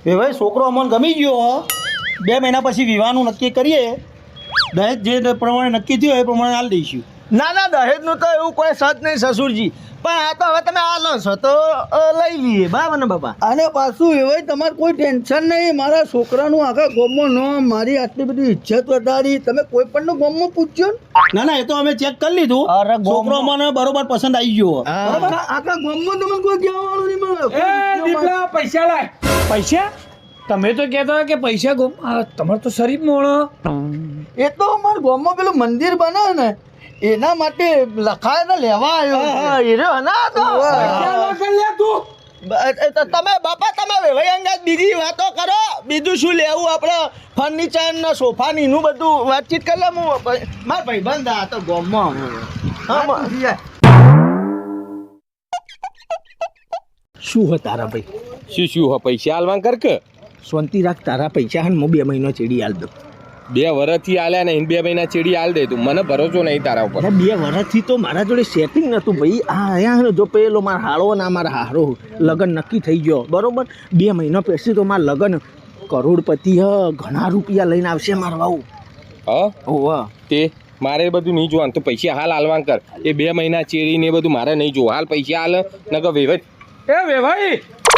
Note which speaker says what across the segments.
Speaker 1: એ ભાઈ છોકરો અમને ગમી ગયો 2 મહિના પછી વિવાહનું નક્કી કરીએ દહેજ જે પ્રમાણે નક્કી થયું એ પ્રમાણે હાલ દઈશું
Speaker 2: ના દહેજનું તો એવું કોઈ સત નહીં સસુરજી પણ આ તો હવે તમે આલો છો તો લઈ લઈએ બરાબર ને બાપા
Speaker 3: અને પાછું એવાય તમારે કોઈ ટેન્શન નહીં મારા છોકરાનું આખા ગામમાં નામ મારી આટલી બધી ઇજ્જત વધારી તમે કોઈ પણ ગામમાં પૂછજો ને
Speaker 1: ના એ તો અમે ચેક કરી લીધું
Speaker 2: અરે
Speaker 1: છોકરો મને બરોબર પસંદ આવી ગયો
Speaker 3: બરાબર આખા ગામમાં તમને કોઈ કહેવા વાળું નહીં મળે
Speaker 4: દીપડા પૈસા લાય પૈસા તમે તો કહેતા કે પૈસા તમારે તો શરીફ મોણો
Speaker 3: એ તો અમારા ગામમાં પેલું મંદિર બનાવે ને એના માટે લખાય ને લેવા આવ્યો
Speaker 2: એ રહ્યો ના તો
Speaker 4: લે તું
Speaker 2: તમે બાપા તમે વેવાઈ અંગાત બીજી વાતો કરો બીજું શું લેવું આપણે ફર્નિચર ને સોફા ની નું બધું વાતચીત કરી લે હું મારા ભાઈબંધ આ તો ગામમાં
Speaker 3: શું હે તારા ભાઈ
Speaker 5: શું હો પૈસા આલવાં કર કે
Speaker 3: શાંતિ રાખ તારા પૈસા હન હું 2 મહિનો ચેડી આલ દઉં
Speaker 5: 2 વર્ષથી આલ્યા નહીં 2 મહિના ચેડી આલ દે તું મને ભરોસો નહીં તારા ઉપર
Speaker 3: 2 વર્ષથી તો મારા જોડે સેટિંગ નતું ભાઈ આ આયા જો પેલો મારા હાળો ના મારા હારો લગન નક્કી થઈ ગયો બરોબર 2 મહિના પછી તો મારા લગન કરોડપતિ ઘણા રૂપિયા લઈને આવશે મારા વાવ
Speaker 5: હા
Speaker 3: ઓવા
Speaker 5: તે મારે એ બધું નહીં જોવાનું તો પૈસા હાલ આલવાં કર એ 2 મહિના ચેડી ને એ બધું મારે નહીં જોવું હાલ પૈસા હાલ નકર વેવાઈ એ વેવાઈ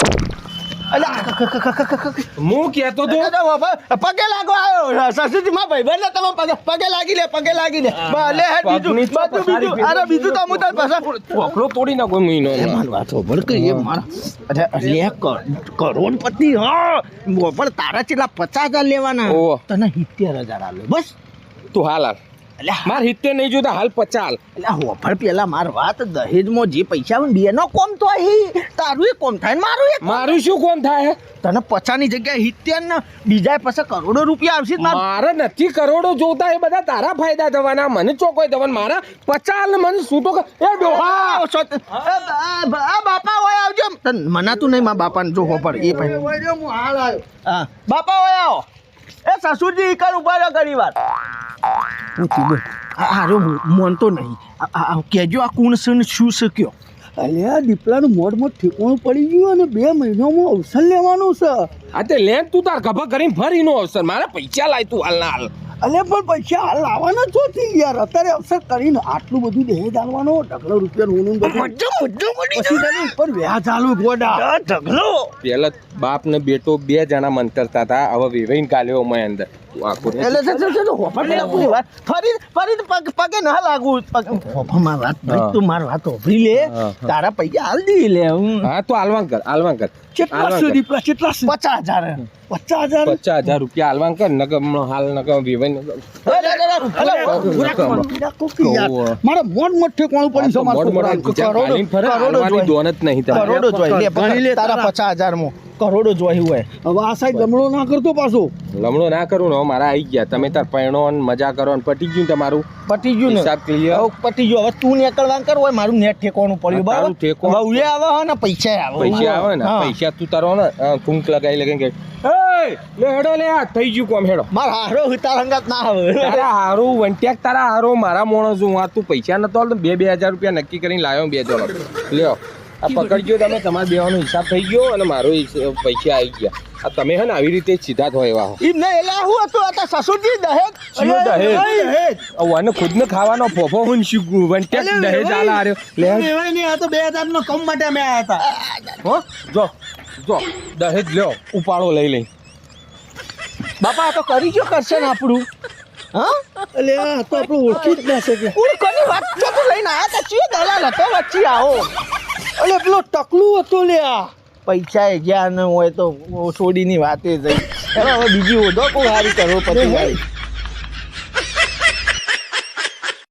Speaker 5: હું કહેતો તો
Speaker 2: પગે લાગો આવ્યો સસુજી માં ભાઈબંધ તમે પગે લાગી લે લે હેડ બીજું અરે બીજું તો હું તાર પાછા
Speaker 5: ચોકડો તોડી નાખો મહિનો
Speaker 3: મારી વાત હોભળ કે એ મારા અરે કરોડપતિ હા પણ તારા ચેટલા 50,000 લેવાના
Speaker 5: ઓહો.
Speaker 3: તને 70,000 આલે બસ
Speaker 5: તું હાલ હાલ માર 70 નહીં જોતા હાલ 50 હાલ
Speaker 3: એટલે હોફળ પેલા માર વાત દહેજમાં જે પૈસા આવે ને બેનો કોમ તો અહીં તારું એ કોમ થાય ને મારું એ
Speaker 5: મારું શું કોમ થાય
Speaker 3: તને 50 ની જગ્યાએ 70 ને બીજા પાસે કરોડો રૂપિયા આવશે
Speaker 5: મારે નથી કરોડો જોતા એ બધા તારા ફાયદા થવાના મને ચોકોય થવાના મારા 50 ને મને છૂટો એ ડોહા
Speaker 3: બાપા હોય આવજો મનાતું નહીં મારા બાપાને જો હોફળ એ ભાઈ હું હાલ આવ્યો
Speaker 2: હા બાપા ઓય આવો એ સસુરજી ઈકર ઉભા રહ્યો ઘણી વાર
Speaker 3: હારો મોનતો નહીં કેજો આ કોણ છે ને શું છે કયો અલ્યા દીપલાનું મોઢમાં ઠેકોણું પડી ગયું અને 2 મહિનામાં અવસર લેવાનું છે
Speaker 5: આ તે લેન તું તાર ગભા કરીને ફરીનો અવસર મારા પૈસા લાય તું હાલ ના હાલ
Speaker 3: અલ્યા પણ પૈસા હાલ લાવવાના છો થી યાર અત્યારે અવસર કરીને આટલું બધું દહેજ આલવાનો ઢગલો રૂપિયા નું પછી તને ઉપર વ્યાજ આલુ ગોડા ઢગલો
Speaker 5: પેલા બાપ ને બેટો 2 જણા મંતરતા હતા હવે વેવાઈને કાલ્યો મેં અંદર
Speaker 2: પગે ના લાગુ
Speaker 3: માર વાત ભાઈ તું માર વાત ઓભરી લે તારા પૈસા હાલ દી લે
Speaker 5: હા તો હાલવાં કર
Speaker 3: કેટલા સુધી કેટલા 50,000
Speaker 5: 50,000 રૂપિયા હાલવાં કર નકર હાલ નકર વેવાઈને
Speaker 3: મારા મોટ ઠેકોણું પડી
Speaker 2: કરોડો જોઈએ ગણી લે તારા 50,000 માં કરોડો જોઈ હોય
Speaker 3: હવે આ સાઈડ લમણો ના કરતો પાછો
Speaker 5: લમણો ના કરું ને હવે મારા આવી ગયા તમે તાર પૈણો ને મજા કરો ને પટી ગયું તમારું
Speaker 2: પટી ગયું ને
Speaker 5: હિસાબ ક્લિયર
Speaker 2: પટી ગયો હવે તું નીકળવા કર હોય મારું નેટ ઠેકોણું પડ્યું બરાબર
Speaker 5: ઠેકોણું
Speaker 2: હવે આવે હે ને પૈસા
Speaker 5: આવે ને પૈસા તું તારો ને કુંક લગાવી લગે કે લે હેડો લે આ થઈ ગયું કોમ હેડો
Speaker 2: મારા હારો તારા હંગાત ના આવે
Speaker 5: તારા હારો વંટ્યાક તારા હારો મારા મોણસ હું આ તું પૈસા નતો આલતો 2,000 રૂપિયા નક્કી કરીને લાવ્યો 2 જણો લ્યો આ પકડજો તમે તમારા બેવાનો હિસાબ થઈ ગયો અને મારો પૈસા આવી ગયા આ તમે હે ને આવી રીતે સીધા થો એવા હો
Speaker 2: એમ નહીં એટલે હું હતું આ સસુરજી દહેજ
Speaker 5: આને ખુદ ને ખાવાનો ફોફો હું વંટ્યાક દહેજ આલા આર્યો લે
Speaker 1: નહીં આ તો 2,000 નો કમ માટે અમે આવ્યા હતા
Speaker 5: હો જો દહેજ લ્યો ઉપાડો લઈ
Speaker 2: બાપા આ તો કરી જો કરશે ને આપણું હા
Speaker 3: એટલે આ તો આપણું ઓળખી જ ના શકે
Speaker 2: કોણ કોની વાત છે તું લઈને આયા તા ચીયો દલાલ હતો વચ્ચે આવો
Speaker 3: એટલે પેલો ટકલું હતો લે આ
Speaker 2: પૈસા એ ગયા ન હોય તો છોડીની વાતે જઈ હવે બીજી ઓઢો કોઈ હારી કરો પછી